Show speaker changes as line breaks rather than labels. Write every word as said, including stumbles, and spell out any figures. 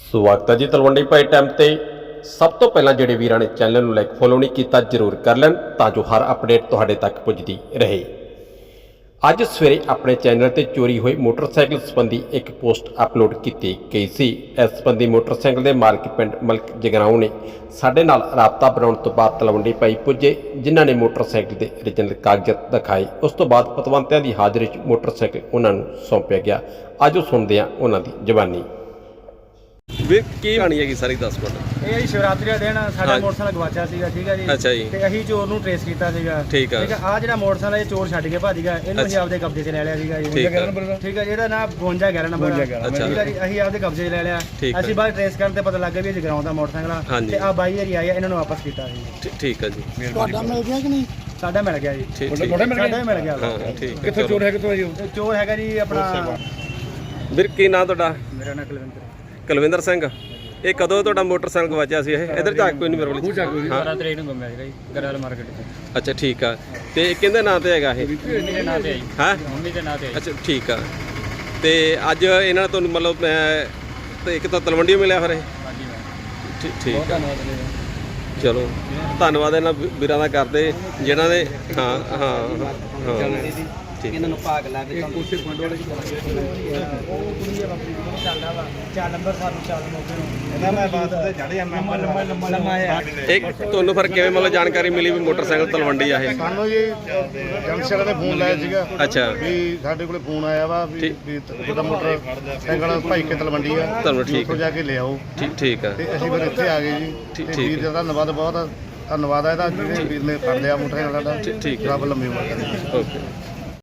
ਸਵਾਗਤ ਹੈ ਜੀ ਤਲਵੰਡੀ ਭਾਈ ਟਾਈਮ ਤੇ। ਸਭ ਤੋਂ ਪਹਿਲਾਂ ਜਿਹੜੇ ਵੀਰਾਂ ਨੇ ਚੈਨਲ ਨੂੰ ਲਾਈਕ ਫੋਲੋ ਨਹੀਂ ਕੀਤਾ ਜ਼ਰੂਰ ਕਰ ਲੈਣ ਤਾਂ ਜੋ ਹਰ ਅਪਡੇਟ ਤੁਹਾਡੇ ਤੱਕ ਪੁੱਜਦੀ ਰਹੇ। ਅੱਜ ਸਵੇਰੇ ਆਪਣੇ ਚੈਨਲ ਤੇ ਚੋਰੀ ਹੋਏ ਮੋਟਰਸਾਈਕਲ ਸੰਬੰਧੀ ਇੱਕ ਪੋਸਟ ਅਪਲੋਡ ਕੀਤੀ ਗਈ ਸੀ। ਇਸ ਸੰਬੰਧੀ ਮੋਟਰਸਾਈਕਲ ਦੇ ਮਾਲਕ ਪਿੰਡ ਮਲਕ ਜਗਰਾਉਂ ਨੇ ਸਾਡੇ ਨਾਲ ਰਾਬਤਾ ਬਣਾਉਣ ਤੋਂ ਬਾਅਦ ਤਲਵੰਡੀ ਭਾਈ ਪੁੱਜੇ, ਜਿਨ੍ਹਾਂ ਨੇ ਮੋਟਰਸਾਈਕਲ ਦੇ ਓਰੀਜਨਲ ਕਾਗਜ਼ਾਤ ਦਿਖਾਏ। ਉਸ ਤੋਂ ਬਾਅਦ ਪਤਵੰਤਿਆਂ ਦੀ ਹਾਜ਼ਰੀ 'ਚ ਮੋਟਰਸਾਈਕਲ ਉਹਨਾਂ ਨੂੰ ਸੌਂਪਿਆ ਗਿਆ। ਅੱਜ ਉਹ ਸੁਣਦੇ ਹਾਂ ਉਹਨਾਂ ਦੀ ਜ਼ਬਾਨੀ। ਵੀਰ ਕੀ ਕਹਾਣੀ ਹੈਗੀ ਸਾਰੀ ਦੱਸ ਮਿੰਟ।
ਇਹ ਜੀ ਸ਼ਿਵਰਾਤਰੀ ਦਾ ਦਿਨ ਸਾਡਾ ਮੋਟਰਸਾਈਕਲ ਗਵਾਚਿਆ ਸੀਗਾ, ਠੀਕ ਹੈ ਜੀ।
ਅੱਛਾ ਜੀ।
ਤੇ ਅਸੀਂ ਚੋਰ ਨੂੰ ਟ੍ਰੇਸ ਕੀਤਾ ਸੀਗਾ,
ਠੀਕ ਆ।
ਠੀਕ ਹੈ। ਆ ਜਿਹੜਾ ਮੋਟਰਸਾਈਕਲ ਇਹ ਚੋਰ ਛੱਡ ਕੇ ਭੱਜ ਗਿਆ, ਇਹਨੂੰ ਅਸੀਂ ਆਪਦੇ ਕਬਜ਼ੇ 'ਚ ਲੈ ਲਿਆ ਸੀਗਾ ਜੀ।
ਠੀਕ ਆ।
ਠੀਕ ਹੈ, ਇਹਦਾ ਨਾਮ ਬਵੰਜਾ ਗਿਆਰਾਂ ਨੰਬਰ ਆ। ਠੀਕ ਹੈ ਜੀ, ਅਸੀਂ ਆਪਦੇ ਕਬਜ਼ੇ 'ਚ ਲੈ ਲਿਆ। ਅਸੀਂ ਬਾਅਦ ਟ੍ਰੇਸ ਕਰਨ ਤੇ ਪਤਾ ਲੱਗ ਗਿਆ ਵੀ ਇਹ ਜਗਰਾਉਂ ਦਾ ਮੋਟਰਸਾਈਕਲ ਆ ਤੇ ਆ ਬਾਈ ਹਰੀ ਆਇਆ, ਇਹਨਾਂ ਨੂੰ ਵਾਪਸ ਕੀਤਾ ਸੀ।
ਠੀਕ ਆ ਜੀ।
ਤੁਹਾਡਾ ਮਿਲ ਗਿਆ ਕਿ ਨਹੀਂ? ਸਾਡਾ ਮਿਲ ਗਿਆ ਜੀ।
ਤੁਹਾਡਾ
ਮਿਲ ਗਿਆ।
ਹਾਂ ਠੀਕ।
ਕਿੱਥੋਂ ਚੋਰ ਹੈ? ਕਿੱਥੋਂ ਜੀ ਚੋਰ ਹੈਗਾ ਜੀ ਆਪਣਾ।
ਵੀਰ ਕੀ ਨਾਂ ਤੁਹਾਡਾ?
ਮੇਰਾ ਨਾਮ ਕੁਲਵਿੰਦਰ।
ਕੁਲਵਿੰਦਰ ਸਿੰਘ। ਇਹ ਕਦੋਂ ਤੁਹਾਡਾ ਮੋਟਰਸਾਈਕਲ ਗਵਾਚਿਆ ਸੀ? ਇਹ ਇਧਰ ਝਾਕ ਕੋਈ ਨਹੀਂ ਮੇਰੇ ਕੋਲ।
ਹਾਂ ਤਰੀਕ ਨੂੰ ਗੁੰਮਿਆ ਸੀਗਾ ਜੀ ਗਰਵਾਲ ਮਾਰਕੀਟ ਤੋਂ।
ਅੱਛਾ ਠੀਕ ਆ। ਤੇ ਕਿਹਦੇ ਨਾਂ ਤੇ ਹੈਗਾ ਇਹ?
ਮੰਮੀ ਦੇ ਨਾਂ ਤੇ ਆਈ।
ਹਾਂ
ਮੰਮੀ ਦੇ ਨਾਂ ਤੇ ਆਈ।
ਅੱਛਾ ਠੀਕ ਆ। ਤੇ ਅੱਜ ਇਹਨਾਂ ਨੇ ਤੁਹਾਨੂੰ ਮਤਲਬ ਤੇ ਇੱਕ ਤਾਂ ਤਲਵੰਡੀ ਮਿਲਿਆ ਫਿਰ ਇਹ?
ਹਾਂਜੀ ਮੈਂ
ਠੀਕ ਠੀਕ ਆ।
ਧੰਨਵਾਦ।
ਚਲੋ ਧੰਨਵਾਦ ਇਹਨਾਂ ਵੀਰਾਂ ਦਾ ਕਰਦੇ ਜਿਨ੍ਹਾਂ ਨੇ ਹਾਂ ਹਾਂ ਹਾਂ ਠੀਕ।
ਇਹਨਾਂ ਨੂੰ ਭਾਗ ਲਾ ਕੇ ਕੋਸ਼ੇ ਪੁਆਇੰਟ ਵਾਲੇ ਉਹ ਕੁੜੀ ਆ ਬਾਪੂ ਚੱਲਦਾ ਵਾ ਚਾਰ ਨੰਬਰ ਸਾਨੂੰ ਚਾਰ ਮੌਕੇ ਨੂੰ ਇਹਦਾ ਮੈਂ ਬਾਤ ਤੇ ਚੜ ਜਾਂਦਾ ਲੰਮਾ ਲੰਮਾ ਲੰਮਾ ਆ।
ਇੱਕ ਤੁਹਾਨੂੰ ਫਿਰ ਕਿਵੇਂ ਮਤਲਬ ਜਾਣਕਾਰੀ ਮਿਲੀ ਵੀ ਮੋਟਰਸਾਈਕਲ ਤਲਵੰਡੀ ਆ ਇਹ?
ਸਾਨੂੰ ਜੀ ਜੰਕਸ਼ਨ ਨੇ ਫੋਨ ਲਾਇਆ ਸੀਗਾ।
ਅੱਛਾ
ਵੀ ਸਾਡੇ ਕੋਲੇ ਫੋਨ ਆਇਆ ਵਾ ਵੀ ਵੀ ਤੁਹਾਡਾ ਮੋਟਰਸਾਈਕਲ ਭਾਈ ਕੇ ਤਲਵੰਡੀ ਆ,
ਤੁਹਾਨੂੰ ਠੀਕ
ਉੱਥੋਂ ਜਾ ਕੇ ਲੈ ਆਓ।
ਠੀਕ ਠੀਕ ਆ।
ਤੇ ਅਸੀਂ ਫਿਰ ਇੱਥੇ ਆ ਗਏ ਜੀ। ਤੇ ਵੀਰ ਦਾ ਧੰਨਵਾਦ, ਬਹੁਤ ਧੰਨਵਾਦ ਆ ਇਹਦਾ, ਜਿਹੜੇ ਵੀਰ ਨੇ ਫੜ ਲਿਆ ਮੋਟਰਸਾਈਕਲ ਸਾਡਾ।
ਠੀਕ
ਰੱਬ ਲੰਮੀ ਉਮਰ ਕਰੇ।
ਓਕੇ।